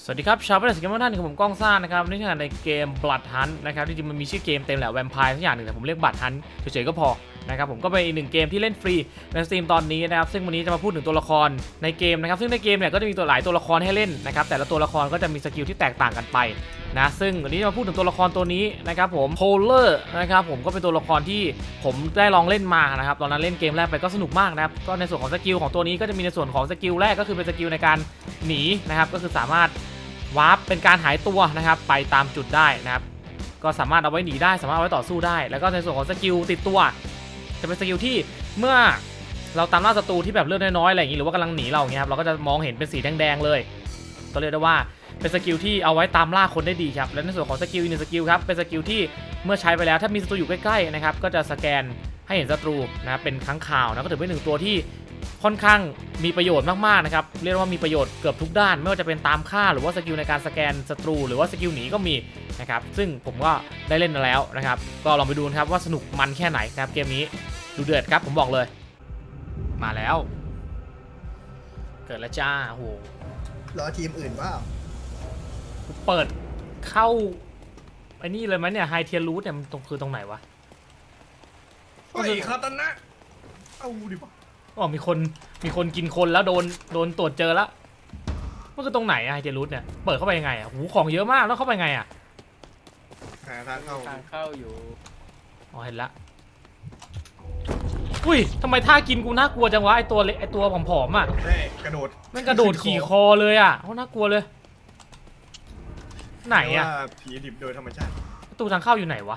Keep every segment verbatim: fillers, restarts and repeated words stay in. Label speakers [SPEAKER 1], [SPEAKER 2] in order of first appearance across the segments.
[SPEAKER 1] สวัสดีครับชาวบ้านสกิมเมอร์ท่านผมก้องซ่านะครับนี่คือในเกม Blood Hunt นะครับที่จริงมันมีชื่อเกมเต็มแหละแวมไพร์ทุกอย่างหนึ่งแต่ผมเรียก Blood Hunt เฉยๆก็พอนะครับผมก็เป็นอีกหนึ่งเกมที่เล่นฟรีในสตรีมตอนนี้นะครับซึ่งวันนี้จะมาพูดถึงตัวละครในเกมนะครับซึ่งในเกมเนี่ยก็จะมีตัวหลายตัวละครให้เล่นนะครับแต่ละตัวละครก็จะมีสกิลที่แตกต่างกันไปนะซึ่งวันนี้จะมาพูดถึงตัวละครตัวนี้นะครับผมโพลเลอร์นะครับผมก็เป็นตัวละครที่ผมได้ลองเล่นมานะครับตอนนั้นเล่นเกมแรกไปก็สนุกมากนะครับก็ในส่วนของสกิลของตัวนี้ก็จะมีในส่วนของสกิลแรกก็คือเป็นสกิลในการหนีนะครับก็คือสามารถวาร์ปเป็นการหายตัวนะครับไปตามจุดได้นะครับก็สามารถเอาไว้หนีได้สามารถเอาไว้ต่อสู้ได้แล้วก็ในส่วนของสกิลติดตัวจะเป็นสกิลที่เมื่อเราตามล่าศัตรูที่แบบเลือดน้อยๆอะไรอย่างนี้หรือว่ากำลังหนีเราอย่างเงี้ยครับเราก็จะมองเห็นเป็นสีแดงๆเลยก็เรียกได้ว่าเป็นสกิลที่เอาไว้ตามล่าคนได้ดีครับและในส่วนของสกิลอีกหนึ่งสกิลครับเป็นสกิลที่เมื่อใช้ไปแล้วถ้ามีศัตรูอยู่ใกล้ๆนะครับก็จะสแกนให้เห็นศัตรูนะเป็นค้างคาวนะก็ถือเป็นหนึ่งตัวที่ค่อนข้างมีประโยชน์มากๆนะครับเรียกว่ามีประโยชน์เกือบทุกด้านไม่ว่าจะเป็นตามฆ่าหรือว่าสกิลในการสแกนศัตรูหรือว่าสกิลหนีก็มีนะครับซึ่งผมก็ได้เล่นมาแล้วนะครับก็ลองไปดูนะครับว่าสนุกมันแค่ไหนนะครับเกมนี้ดูเดือดครับผมบอกเลยมาแล้วเกิดแล้วจ้าโอ้โห
[SPEAKER 2] รอทีมอื่นว่า
[SPEAKER 1] เปิดเข้าไอ้นี่เลยไหมเนี่ยไฮเทียรูทเนี่ยมันตรงคือตรงไหนวะ
[SPEAKER 2] ไอ้คาตานะเอาดิปะ
[SPEAKER 1] อ๋อมีคนมีคนกินคนแล้วโดนโดนตรวจเจอแล้วมันคือตรงไหนไฮเทียรูทเนี่ยเปิดเข้าไปยังไงอ่ะหูของเยอะมากแล้วเข้าไปไงอ่ะ
[SPEAKER 2] หาทางเข้า
[SPEAKER 3] ทางเข้าอยู่
[SPEAKER 1] อ๋อเห็นละอุ้ยทำไมท่ากินกูน่ากลัวจังวะไอตัวเล็กไอตัวผอมๆอ่ะ
[SPEAKER 2] ได้กระโดด
[SPEAKER 1] มันกระโดดขี่คอเลยอ่ะโอ้น่ากลัวเลยไหนอ่ะ
[SPEAKER 2] ผีดิบโดยธรรมชาติ
[SPEAKER 1] ประตูทางเข้าอยู่ไหนวะ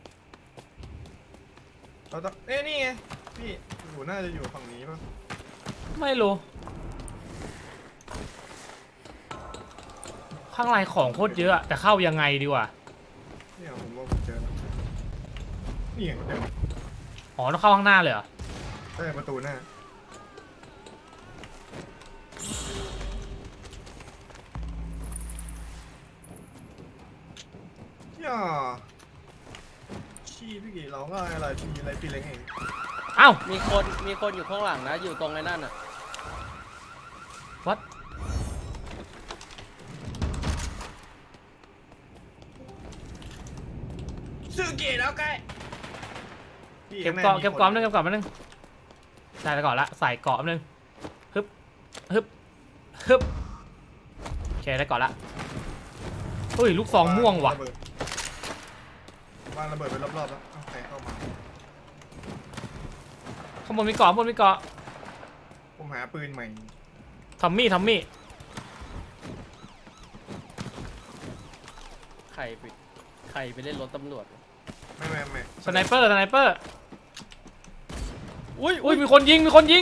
[SPEAKER 2] เราต้องเอ้นี่ไงพี่อยู่น่าจะอยู่ฝั่งนี้ป่ะ
[SPEAKER 1] ไม่รู้ข้างในของโคตรเยอะแต่เข้ายังไงดีวะ
[SPEAKER 2] เนี่ยผมว่าผมเจอนี่ไงเดิม
[SPEAKER 1] อ๋อต้องเข้าข้างหน้าเลยเหรอ
[SPEAKER 2] ใช่ประตูหน้าย่าชี้พี่กี่ร้องอะไรพี่อะไรพี่เล้งเอง
[SPEAKER 1] เอ้า
[SPEAKER 3] มีคนมีคนอยู่ข้างหลังนะอยู่ตรงไอ้นั่นอ่ะ
[SPEAKER 1] วัด
[SPEAKER 2] ซื้อเกียร์แล้วใกล้
[SPEAKER 1] เก็บเกาะเก็บเกาะนึงเก็บเกาะนึงใส่ไปก่อนละใส่เกาะนึงฮึบฮึบฮึบโอเคได้เกาะละอุ้ยลูกซองม่วงว่ะ
[SPEAKER 2] วางระเบิดไปรอบๆแล้วใครเข้ามา
[SPEAKER 1] ข้างบนมีเกาะข้างบนมีเกาะ
[SPEAKER 2] ผมหาปืนใหม่
[SPEAKER 1] ทอมมี่ทอมมี่
[SPEAKER 3] ใครไปใครไปเล่นรถตำรวจ
[SPEAKER 2] ไม่ไม่ไม่
[SPEAKER 1] สไนเปอร์สไนเปอร์
[SPEAKER 3] อุ้ย
[SPEAKER 1] อุ้ยมีคนยิงมีคนยิง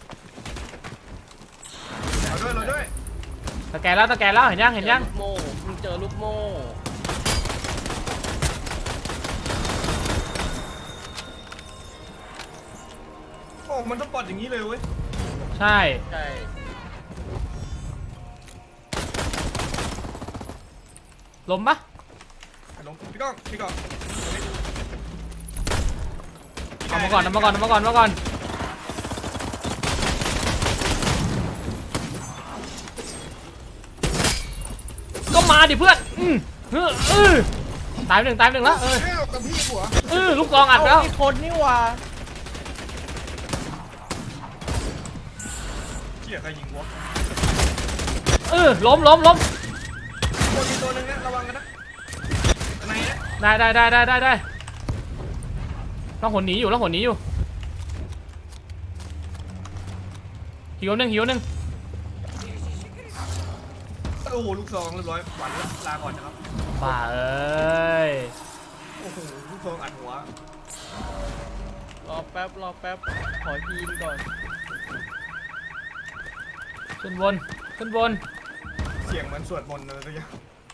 [SPEAKER 2] เราด้วยเราด้วย
[SPEAKER 1] ตะแกรงแล้วตะแกรงแล้วเห็นยังเห็นยัง
[SPEAKER 3] โม่มึงเจอลูกโม่
[SPEAKER 2] โอ้มันต้องปลดอย่างนี้เลยเว้ย
[SPEAKER 1] ใช่
[SPEAKER 3] ใช่
[SPEAKER 1] ล้มปะ
[SPEAKER 2] ล้มพี่ก้องพี่ก้อง
[SPEAKER 1] เอามาก่อนเอามาก่อนเอามาก่อนเอามาก่อนก็มาดิเพื่อนอืมเออเออตายหนึ่งตายหนึ่งแล้วเออ
[SPEAKER 2] กับพี่หัว
[SPEAKER 1] เออลูกกองอัดแล้ว
[SPEAKER 3] มีคนนี่วะ
[SPEAKER 2] เชี่ยใครยิงวะ
[SPEAKER 1] เออล้มล้มล้ม
[SPEAKER 2] ตัวมีตัวนึงนะระวังกันนะไหนนะ
[SPEAKER 1] ได้ได้ได้ได้ได้ได้ต้องหนหนีอยู่ต้องหนหนีอยู่หิวหนึ่งหิวหนึ่ง
[SPEAKER 2] โอ้โหลูกซองเรียบร้อยหวานลาก่อนนะครับ
[SPEAKER 1] บ้าเอ้ย
[SPEAKER 2] โอ้โหลูกซองอัดหัว
[SPEAKER 3] รอแป๊บรอแป๊บขอทีมก่อน
[SPEAKER 1] ขึ้นบนขึ้นบน
[SPEAKER 2] เสียงเหมือนสวดมนต์อะไรสักอย่าง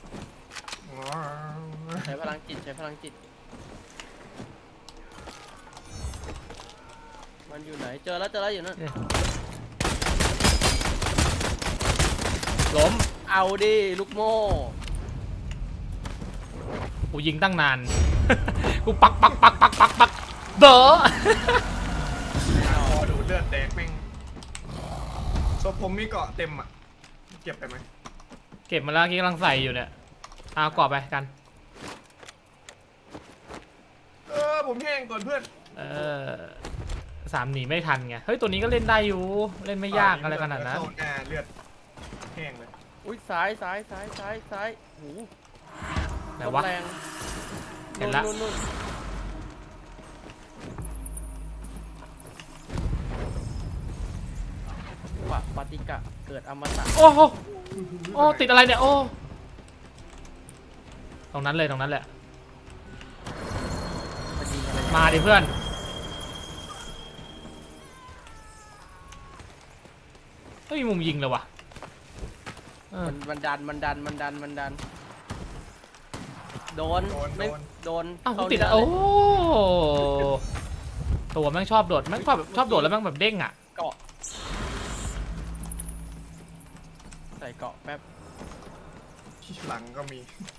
[SPEAKER 3] ใช้พลังจิตใช้พลังจิตมันอยู่ไหนเจอแล้วเจอแล้วอยู่นั่น
[SPEAKER 1] ล้ม
[SPEAKER 3] เอาดิลูกโม่
[SPEAKER 1] กูยิงตั้งนานกูปักปักปักปักปักปักเด้อ
[SPEAKER 2] พอดูเลือดแดงแม่งศพผมมีเกาะเต็มอ่ะเก็บไปไหม
[SPEAKER 1] เก็บมาแล้วกี้กำลังใส่อยู่เนี่ยเอากรอบไปกัน
[SPEAKER 2] เออผมแห้งก่อนเพื่อน
[SPEAKER 1] เออสามหนีไม่ทันไงเฮ้ยตัวนี้ก็เล่นได้อยู่เล่นไม่ยากอะไรขนาดนั้น
[SPEAKER 2] เข้หน้าเลือดแห้งเลย
[SPEAKER 3] อุ้ยซ้ายซ้ายซ้ายซ้ายซ้ายโอ้โห
[SPEAKER 1] ไหนวะ
[SPEAKER 3] แรง
[SPEAKER 1] เห็นละ
[SPEAKER 3] นู่นนู่นนู่นปะปฏิกะเกิดอมตะ
[SPEAKER 1] โอ้โหโอ้ติดอะไรเนี่ยโอ้ตรงนั้นเลยตรงนั้นแหละ
[SPEAKER 3] มันยิงอะไร
[SPEAKER 1] มาดิเพื่อนไม่มีมุมยิงเลยวะเออ
[SPEAKER 3] มันมันดันมันดันมันดันมันดันโดน
[SPEAKER 2] โดนโด
[SPEAKER 3] ไม่
[SPEAKER 2] น
[SPEAKER 3] โดน
[SPEAKER 1] อ้าวกู
[SPEAKER 3] เข้า
[SPEAKER 1] ติดอะ
[SPEAKER 3] เนื้
[SPEAKER 1] โอ้
[SPEAKER 3] เลย
[SPEAKER 1] ตัวแม่งชอบโดดแม่งชอบแบบชอบโดดแล้วแม่งแบบเด้งอ่ะ
[SPEAKER 3] เกาะใส่เกาะแป๊บ
[SPEAKER 2] ที่หลังก็มี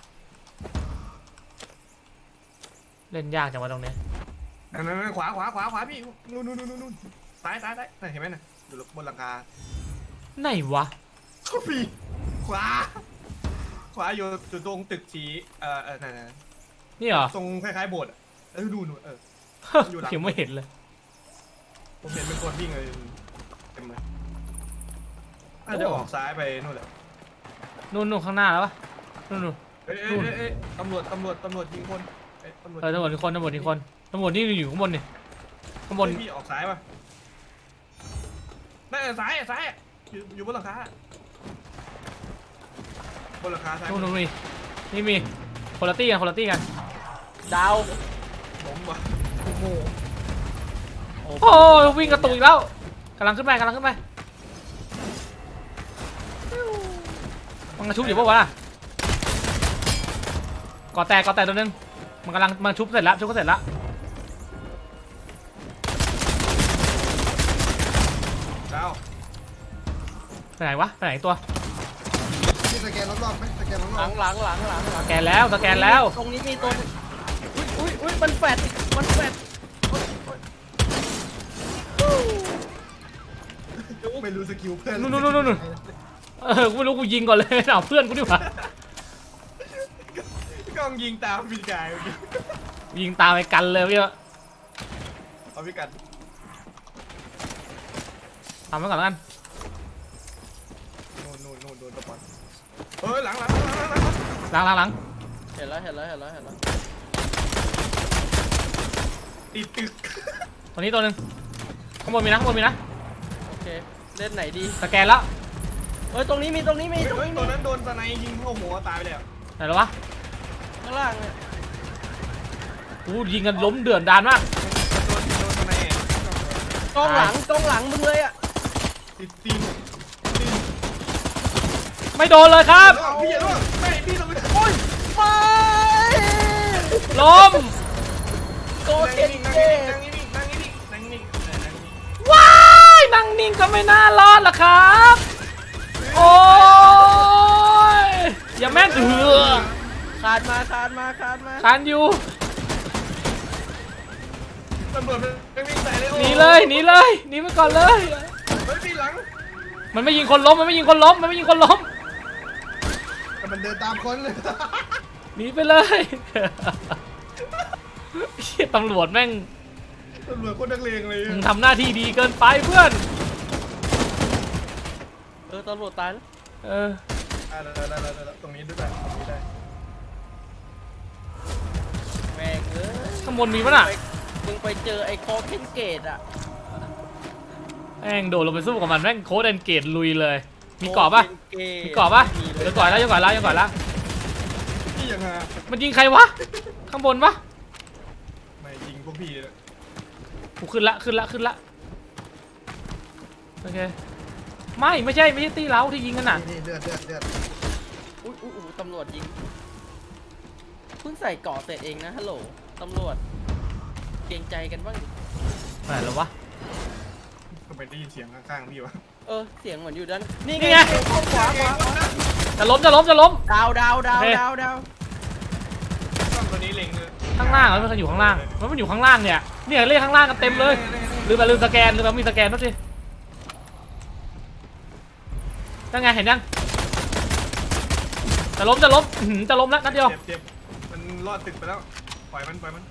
[SPEAKER 1] เล่นยากจังวะตรงเนี้ย
[SPEAKER 2] นั่นนั่นขวาขวาขวาขวาพี่นู่นนู่นนู่นนู่นซ้ายซ้ายซ้ายนั่นเห็นไหมน่ะอยู่บนหลังคา
[SPEAKER 1] ไหนวะ
[SPEAKER 2] เขาพี่ขวาขวาอยู่อยู่ตรงตึกสีเอ่อเออนั่นนั่น
[SPEAKER 1] นี่เหรอ
[SPEAKER 2] ทรงคล้ายๆโบสถ์อะเออดูนู่นเออ อยู่หลัง
[SPEAKER 1] ยังไม่เห็นเลย
[SPEAKER 2] ผมเห็นเป็นคนวิ่งเลยเต็มเลยน่าจะออกซ้ายไปนู่นแหละ
[SPEAKER 1] นู่นนู่นข้างหน้าแล้วปะนู่นนู่น
[SPEAKER 2] เอ้ยเอ้ยเอ้ยเอ้ยตำรวจตำรวจตำรวจยิงคนเอ้ยตำรวจ
[SPEAKER 1] เออตำรวจอีกคนตำรวจอีกคนตำรวจนี่อยู่ข้างบนนี่ข้างบน
[SPEAKER 2] เฮ้ยพี่ออกซ้ายป่ะไม่เออซ้ายอะซ้ายอะอยู่อยู่บนหลังคาอะบนหลังคาซ้าย
[SPEAKER 1] นู่นนู่นนี่นี่มีคนละตี้กันคนละตี้กัน
[SPEAKER 3] ดาว
[SPEAKER 2] ผมว่ะ
[SPEAKER 3] โอ้โห
[SPEAKER 1] โอ้ยวิ่งกระตุกอีกแล้วกำลังขึ้นไปกำลังขึ้นไปมันกระชุบอยู่ปะวะก่อแตกก่อแตกตัวนึงมันกำลังมันชุบเสร็จแล้วชุบก็เสร็จแล้ว
[SPEAKER 2] ดาว
[SPEAKER 1] ไปไหนวะไปไหนตัว
[SPEAKER 2] พี่สแกนรอบๆไหมสแกนร
[SPEAKER 3] หลั
[SPEAKER 2] อบ
[SPEAKER 3] งหลังหลังหลังหลั
[SPEAKER 1] ส
[SPEAKER 3] ง
[SPEAKER 1] แกนแล้วสแกนแล้ว
[SPEAKER 3] ตรงนี้มีตัวหนึ่งอุ้ยอุ้ยอุ้ยมันแฟดมันแฟด
[SPEAKER 2] ๆไม่รู้สกิลเพื่อน
[SPEAKER 1] นู่นนู่นนู่นนู่น เออกูไม่รู้กูยิงก่อนเลยเอาเพื่อนกูดีกว่า
[SPEAKER 2] กล้องยิงตามพี่กายเมื่อกี้
[SPEAKER 1] ยิงตามไปกันเลยพี่
[SPEAKER 2] เอาพี่กัน
[SPEAKER 1] ทำไว้ก่อนแล้วกัน
[SPEAKER 2] นู่นนู่นนู่นโดนตะปอนเฮ้ยหลังหลังหลังหลังหลัง
[SPEAKER 1] หลังหลังหลัง
[SPEAKER 3] เห็นแล้วเห็นแล้วเห็นแล้วเห็นแล้ว
[SPEAKER 2] ติดตึก
[SPEAKER 1] ตัวนี้ตัวหนึงข้างบนมีนะข้างบนมีนะ
[SPEAKER 3] โอเคเล่นไหนดี
[SPEAKER 1] สแกนแล้ว
[SPEAKER 3] เฮ้ยตรงนี้มีตรงนี้มี
[SPEAKER 2] เฮ้ย
[SPEAKER 3] ตรง
[SPEAKER 2] เฮ้ย
[SPEAKER 3] นี้
[SPEAKER 2] ตัว
[SPEAKER 3] มี
[SPEAKER 2] นั้นโดนสไนยิงเข้าหัวตายไปแล้ว
[SPEAKER 1] ไหนแล้ววะ
[SPEAKER 3] ข้างล่างเนี่ย
[SPEAKER 1] กูยิงกันล้มเดือดดานมาก
[SPEAKER 2] โดนโดนสไน
[SPEAKER 3] กล้องหลังกล้องหลังมึงเลยอ่ะ
[SPEAKER 2] ติดตีนตีน
[SPEAKER 1] ไม่โดนเลยครับ
[SPEAKER 2] พี่อย่าล่วงไม่พี่ต้องไป
[SPEAKER 3] โอ้ยไม่
[SPEAKER 1] ล้ม
[SPEAKER 3] โก
[SPEAKER 2] นั่ง
[SPEAKER 3] เก็ต
[SPEAKER 2] นิ่งนั่ง
[SPEAKER 3] เก็
[SPEAKER 2] นิ่ง
[SPEAKER 3] ต
[SPEAKER 2] นั่งนิ่งนั่งนิ่งนั่งนิ่งนั่งนิ่ง
[SPEAKER 1] ว้ายนั่งนิ่งก็ไม่น่ารอดล่ะครับ โอ้ยอย่าแม่นเถือ
[SPEAKER 3] คานมาคานมาคานมา
[SPEAKER 1] คานอยู่
[SPEAKER 2] ตำรวจไปวิ่งใส่เลย
[SPEAKER 1] หนีเลยหนีเลยหนีไปก่อนเลย
[SPEAKER 2] เฮ้ยพี่หลัง
[SPEAKER 1] มันไม่ยิงคนล้มมันไม่ยิงคนล้มมันไม่ยิงคนล้ม
[SPEAKER 2] แต่มันเดินตามคนเลย
[SPEAKER 1] หนีไปเลยเหี้ยตำรวจแม่ง
[SPEAKER 2] ตำรวจโคนนักเลงเลย
[SPEAKER 1] มึงทำหน้าที่ดีเกินไปเพื่อน
[SPEAKER 3] เออตำรวจตายแล้ว
[SPEAKER 1] เออ
[SPEAKER 2] อ่าได้ได้ได้ได้ตรงนี้ด้วยได้ตรงนี้ได้
[SPEAKER 3] แม่งเอ้ย
[SPEAKER 1] ข้างบนมีปะน่ะ
[SPEAKER 3] ไปมึงไปเจอไอ้โคเคนเกตอ่ะ
[SPEAKER 1] แม่งโดดลงไปสู้กับมันแม่งโค้ดแอนเกตลุยเลย มีเกาะปะ
[SPEAKER 3] โคเคน
[SPEAKER 1] มีเกาะปะ
[SPEAKER 3] มีเล
[SPEAKER 1] เดี๋
[SPEAKER 3] ย
[SPEAKER 1] ยวก่อนแล้วเดี๋ยวก่อนแล้วเดี๋ยวก่อนแล้ว
[SPEAKER 2] พี่ยังไง
[SPEAKER 1] มันยิงใครวะ ข้างบนปะ
[SPEAKER 2] ไม่ยิงพวกพี่เลย
[SPEAKER 1] กูขึ้นละขึ้นละขึ้นละโอเคไม่ไม่ใช่ไม่ใช่ตีเราที่ยิงกันน่ะ
[SPEAKER 2] นี่เลือดเลือดเลือด
[SPEAKER 3] อุ้ยอุ้ยอุ้ยตำรวจยิงเพิ่งใส่เกาะเสร็จเองนะฮัลโหลตำรวจเกรงใจกันบ้างดิ
[SPEAKER 1] ไหนแล้ววะ
[SPEAKER 2] ทำไมได้ยินเสียงข้างๆพี่วะ
[SPEAKER 3] เออเสียงเหมือนอยู่ด้านนี่
[SPEAKER 1] นี่ไง
[SPEAKER 3] ขวาขวาขวา
[SPEAKER 1] จะล้มจะล้มจะล้ม
[SPEAKER 3] ดาวดาวดาว
[SPEAKER 1] โอเค
[SPEAKER 3] ดาวดาว
[SPEAKER 2] กล้องตัวนี้เล็งเลย
[SPEAKER 1] ข้างล่างเหรอมันอยู่ข้างล่างมันมันอยู่ข้างล่างเนี่ยเนี่ยเรียกข้างล่างกันเต็มเลยลืมไปลืมสแกนลืมไปมีสแกนด้วยสิยังไงเห็นยังจะล้มจะล้มอื้อหือจะล้มแล้วนัดเดียว
[SPEAKER 2] เจ็บเจ็บมันรอดตึกไปแล้วปล่อยมันปล่อยมัน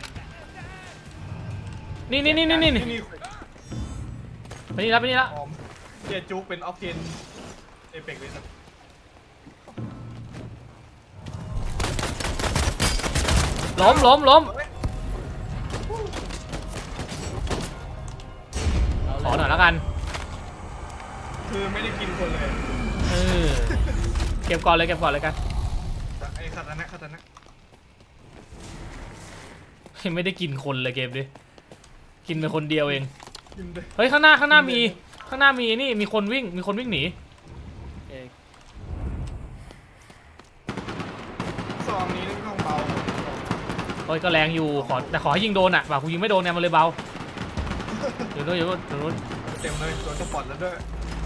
[SPEAKER 1] นี่นี่นี่นี่นี่
[SPEAKER 2] นี่
[SPEAKER 1] ไปนี่แล้วไปนี่แล้ว
[SPEAKER 2] หอมเจจุกเป็นออฟเทนเอเปกเลยสัก
[SPEAKER 1] ล้มล้มล้ม
[SPEAKER 3] เอา
[SPEAKER 1] ขอห
[SPEAKER 3] เล
[SPEAKER 1] น่อยแล้วกัน
[SPEAKER 2] คือไม่ได้กินคนเลย
[SPEAKER 1] เออเก็บก่อนเลยเก็บก่อนเลยกัน
[SPEAKER 2] ไอ้คาตานะคาตานะ
[SPEAKER 1] ไม่ได้กินคนเลยเกมดิกินไปคนเดียวเอง
[SPEAKER 2] กินเลย
[SPEAKER 1] เฮ้ยข้างหน้าข้างหน้ามีข้างหน้ามีนี่มีคนวิ่งมีคนวิ่งหนี
[SPEAKER 3] เอง
[SPEAKER 2] ซองนี้ต้องเบา
[SPEAKER 1] เฮ้ยก็แรงอยู่ขอแต่ขอให้ยิงโดนอ่ะบ่ากูยิงไม่โดนเนี่ยมันเลยเบาเดี๋ยวนู้นเดี๋ยวนู้นเดี๋ยวนู้น
[SPEAKER 2] เต็มเลยตัวสปอร์ตแล้วด้วย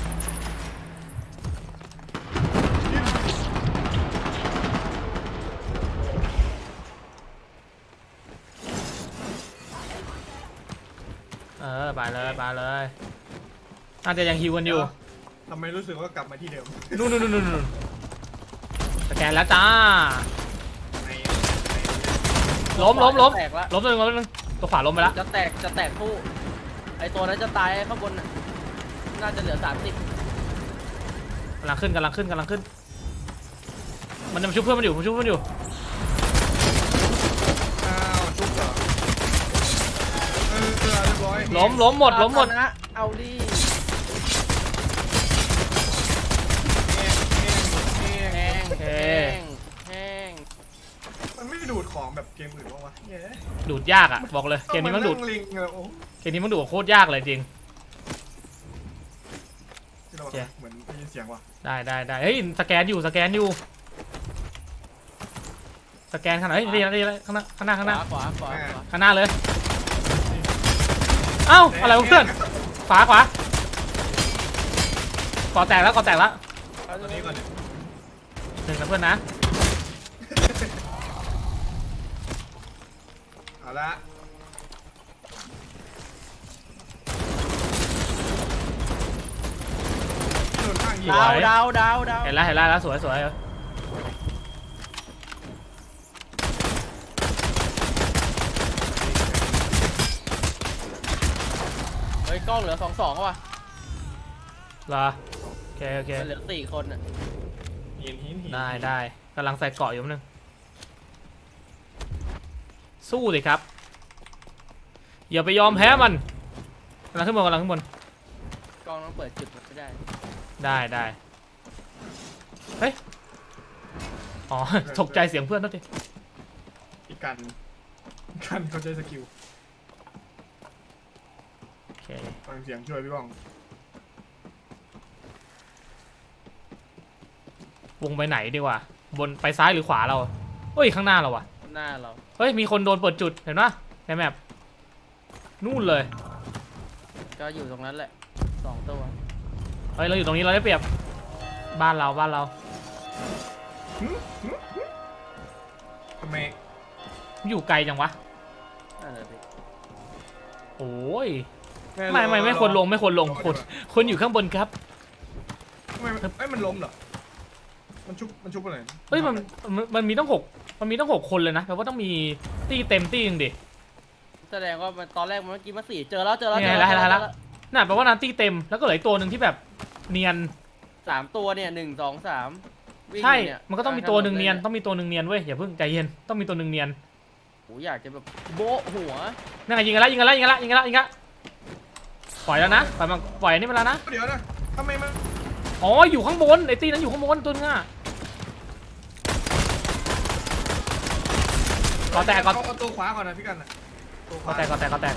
[SPEAKER 1] เออไปเลยไปเลยน่าจะยังฮิวกันอยู่
[SPEAKER 2] ทำไมรู้สึกว่ากลับมาที่เดิม
[SPEAKER 1] นู่นนู่นนู่นนู่นสแกนแล้วจ้า
[SPEAKER 2] ใน
[SPEAKER 1] ล้มล้มล้ม
[SPEAKER 3] แตกละ
[SPEAKER 1] ล้มตัวหนึงล้มตัวหนึงตัวขวาล้มไปแล้ว
[SPEAKER 3] จะแตกจะแตกคู่ไอตัวนั้นจะตายไอ้ข้างบนน่ะน่าจะเหลือสามสิบ
[SPEAKER 1] กำลังขึ้นกำลังขึ้นกำลังขึ้น มันจะมาชุบเพื่อนมันอยู่มันชุบเพื่อนมันอยู่
[SPEAKER 2] อ้าวจุกเหรอเออเรียบร้อย
[SPEAKER 1] ล้มล้มหมดล้มหมด
[SPEAKER 3] นะเอาดิ
[SPEAKER 2] แห้งแห้ง
[SPEAKER 3] แห้งแห้งแห้ง
[SPEAKER 2] มันไม่ดูดของแบบเกมอื่นวะวะเย้
[SPEAKER 1] ดูดยากอ่ะบอกเลยเกมนี้มันดูด
[SPEAKER 2] ลิงเลยโอ้
[SPEAKER 1] เกมนี้มันดูดโคตรยากเลยจริง
[SPEAKER 2] ที่เราเหมือนได้ยินเสียงว่ะ
[SPEAKER 1] ได้ได้ได้เฮ้ยสแกนอยู่สแกนอยู่สแกนขนาดเฮ้ยดีแล้วดีแล้วข้างหน้าข้างหน้าข้างหน้า
[SPEAKER 3] ขวาขวาขวาขวา
[SPEAKER 1] ข้างหน้าเลยเอ้าอะไรวะเพื่อนขวาขวาก่อแตกแล้วก่อแตกแล้ว
[SPEAKER 3] เอา
[SPEAKER 2] ตัวนี้ก่อนดิ
[SPEAKER 1] หนึ่งนะเพื่อนนะ
[SPEAKER 2] เอาละถนนข้างยิง
[SPEAKER 3] ดาวดาวดาวดาว
[SPEAKER 1] เห็นแล้วเห็นแล้วแล้วสวยสวย
[SPEAKER 3] เฮ้ยกล้องเหลือสองสองว่ะ
[SPEAKER 1] เหรอโอเคโอเค
[SPEAKER 3] มันเหลือสี่คนอ่ะ
[SPEAKER 2] หินหินหิน
[SPEAKER 1] ได้ได้กำลังใส่เกาะอยู่นิดนึงสู้เลยครับอย่าไปยอมแพ้มันกำลังขึ้นบนกำลังขึ้นบน
[SPEAKER 3] กล้องต้องเปิดจุดมันไม่ได้
[SPEAKER 1] ได้ได้เฮ้ยอ๋อ ตกใจเสียงเพื่อนนั่นดิ
[SPEAKER 2] อีกกันกันเขาใช้สกิล
[SPEAKER 1] โอเค
[SPEAKER 2] ฟังเสียงช่วยพี่บ้อง
[SPEAKER 1] วงไปไหนดีกว่าบนไปซ้ายหรือขวาเราเฮ้ยข้างหน้าเราวะ
[SPEAKER 3] หน้าเรา
[SPEAKER 1] เฮ้ยมีคนโดนเปิดจุดเห็นปะในแมปนู่นเลย
[SPEAKER 3] ก็อยู่ตรงนั้นแหละสองตัว
[SPEAKER 1] เฮ้ยเราอยู่ตรงนี้เราได้เปรียบบ้านเราบ้านเรา
[SPEAKER 2] หึหึหึทำไม
[SPEAKER 1] อยู่ไกลจังวะ
[SPEAKER 3] นั่นแหละสิ
[SPEAKER 1] โอ้ยไม่ไม่ไม่ควรลงไม่ควรลงคนคนอยู่ข้างบนครับ
[SPEAKER 2] ทำไมมันเอ้ยมันล้มเหรอมันชุบมันชุบอะไร
[SPEAKER 1] เฮ้ยมันมันมันมีต้องหกมันมีต้องหกคนเลยนะแปลว่าต้องมีตีเต็มตีหนึงดิ
[SPEAKER 3] แสดงว่ามันตอนแรกมันเมื่อกี้มาสี่เจอแล้วเจอแล้ว
[SPEAKER 1] นี่
[SPEAKER 3] เจ
[SPEAKER 1] ไง
[SPEAKER 3] อแล้ว
[SPEAKER 1] แล้ว
[SPEAKER 3] เจอ
[SPEAKER 1] แล้
[SPEAKER 3] แล้ว ว
[SPEAKER 1] น่ะแปลว่านั้นตีเต็มแล้วก็เหลืออีกตัวหนึ่งที่แบบเนียน
[SPEAKER 3] สามตัวเนี่ยหนึ่งสองสามวิ่ง
[SPEAKER 1] ใช่
[SPEAKER 3] เนี่ย
[SPEAKER 1] มันก็ต้องมีตัวหนึ่งเนียน
[SPEAKER 3] ต้
[SPEAKER 1] ต้
[SPEAKER 3] อ
[SPEAKER 1] องมีตัวหนึ่งเนียนเว้ยอย่าเพิ่งใจเย็นต้องมีตัวหนึ่งเนียน
[SPEAKER 3] โหอยากจะแบบโบะหัว
[SPEAKER 1] นั่นไงยิงกันแล้วยิงกันแล้วยิงกันแล้วยิงกันแล้วยิงกันแล้วปล่อยแล้วนะปล่อยมันปล่อยอันนี่ไปแล้วนะ
[SPEAKER 2] เดี๋ยวนะทำไมมัน
[SPEAKER 1] อ๋ออยู่ข้างบนไอ้ตีนั้นอยู่ข้างบนตัวนึงอ่ะก่อแตกก่อ
[SPEAKER 2] เอาตัวขวาก่อนนะพี่กันนะตัวข
[SPEAKER 1] ก่อ
[SPEAKER 2] วา
[SPEAKER 1] แตกก่อแตกก่อแตก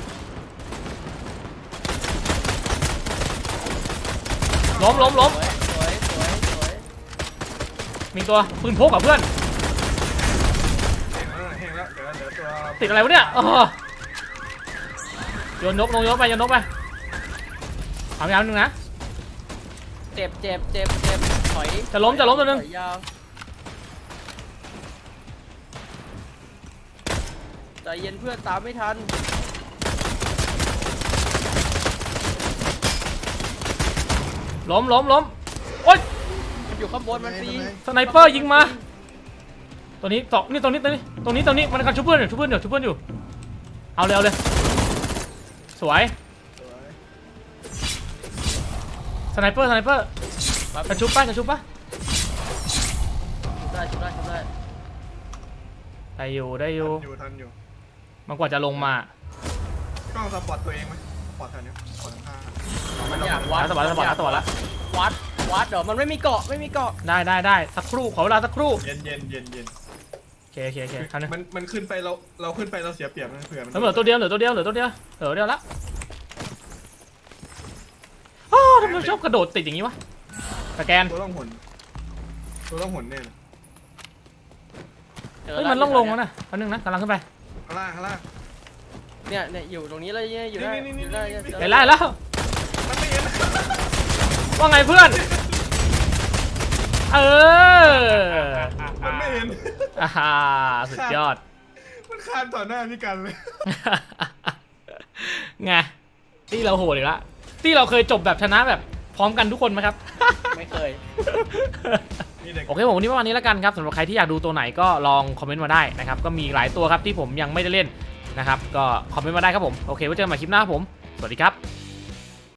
[SPEAKER 1] ล้มล้มล้ม
[SPEAKER 3] สวยสวยสวย
[SPEAKER 1] มีตัวปืนพกกับเพื่อน
[SPEAKER 2] แห้งแล้วแห้งแล้วเดี๋ยวเดี๋ยวตัว
[SPEAKER 1] ติดอะไรวะเนี่ยเออโยนนกลงโยนไปโยนนกไปทำยาวนึงนะ
[SPEAKER 3] เจ็บเจ็บเจ็บเจ็บถอย
[SPEAKER 1] จะล้มจะล้มตัวนึง
[SPEAKER 3] ถอยยาวใจเย็นเพื่อนตามไม่ทัน
[SPEAKER 1] ล้มล้มล้มโอ๊ย
[SPEAKER 3] มันอยู่ข้างบนมันฟรี
[SPEAKER 1] สไนเปอร์ยิงมาตัวนี้สองนี่ตรงนี้ตรงนี้ตรงนี้ตรงนี้มันกำลังชุบเพื่อนอยู่ชุบเพื่อนอยู่ชุบเพื่อนอยู่เอาเลยเอาเลยสวย
[SPEAKER 2] สวย
[SPEAKER 1] สไนเปอร์สไนเปอร์จะชุบป่ะจะชุบป่ะ
[SPEAKER 3] ชุบได้ชุบได้ชุบได้
[SPEAKER 1] ได้อยู่ได้อยู่
[SPEAKER 2] อยู่ทันอยู่
[SPEAKER 1] มันกว่าจะลงมาก
[SPEAKER 2] ล้องสปอร์ตตัวเองไหมสปอร์ตแถวนี้สปอร์ตข้าง
[SPEAKER 3] มันอยากวัด
[SPEAKER 1] สปอร์ตสปอร์ตสปอร์ตละ
[SPEAKER 3] วัดวัดเดี๋ยวมันไม่มีเกาะไม่มีเกาะ
[SPEAKER 1] ได้ได้ได้สักครู่ขอเวลาสักครู่
[SPEAKER 2] เย็นเย็นเย็นเย็น
[SPEAKER 1] โอเคโอเคโอเคคราวนี้
[SPEAKER 2] มันมันขึ้นไปเราเราขึ้นไปเราเสียเปรียบนะเผื่อมัน
[SPEAKER 1] เหลือตัวเดียวเหลือตัวเดียวเหลือตัวเดียวเหลือตัวเดียวละอ้าวทำไมชอบกระโดดติดอย่างนี้วะสแกน
[SPEAKER 2] ตัวต้องหนตัวต้องหนเนี่ยนะ
[SPEAKER 3] จอ
[SPEAKER 1] เฮ้ย
[SPEAKER 3] ละ
[SPEAKER 1] มันล่องลงแล้วนะแป๊บนึงนะกำลังขึ้นไป
[SPEAKER 2] ข้างล่างข้างล่าง
[SPEAKER 3] เนี่ยเนี่ยอยู่ตรงนี้เลยเนี่ยอยู่ได้
[SPEAKER 2] นี่นี่
[SPEAKER 3] อยู่ได้
[SPEAKER 2] นี่นี่
[SPEAKER 3] เจอ
[SPEAKER 1] ไปไล่แล้ว
[SPEAKER 2] มันไม่เห็น
[SPEAKER 1] ว่าไงเพื่อนเออ
[SPEAKER 2] มันไม่เห็น
[SPEAKER 1] อ่าฮะสุดยอด
[SPEAKER 2] มันข้ามต่อหน้าพี่กันเลย
[SPEAKER 1] ไงที่เราโหดอีกแล้วที่เราเคยจบแบบชนะแบบพร้อมกันทุกคนไหมครับ
[SPEAKER 3] ไม่เคย
[SPEAKER 2] นี่เด็ก
[SPEAKER 1] โอเคผมวันนี้ประมาณนี้แล้วกันครับสำหรับใครที่อยากดูตัวไหนก็ลองคอมเมนต์มาได้นะครับก็มีหลายตัวครับที่ผมยังไม่ได้เล่นนะครับก็คอมเมนต์มาได้ครับผมโอเคไว้เจอกันใหม่คลิปหน้าครับผมสวัสดีครับ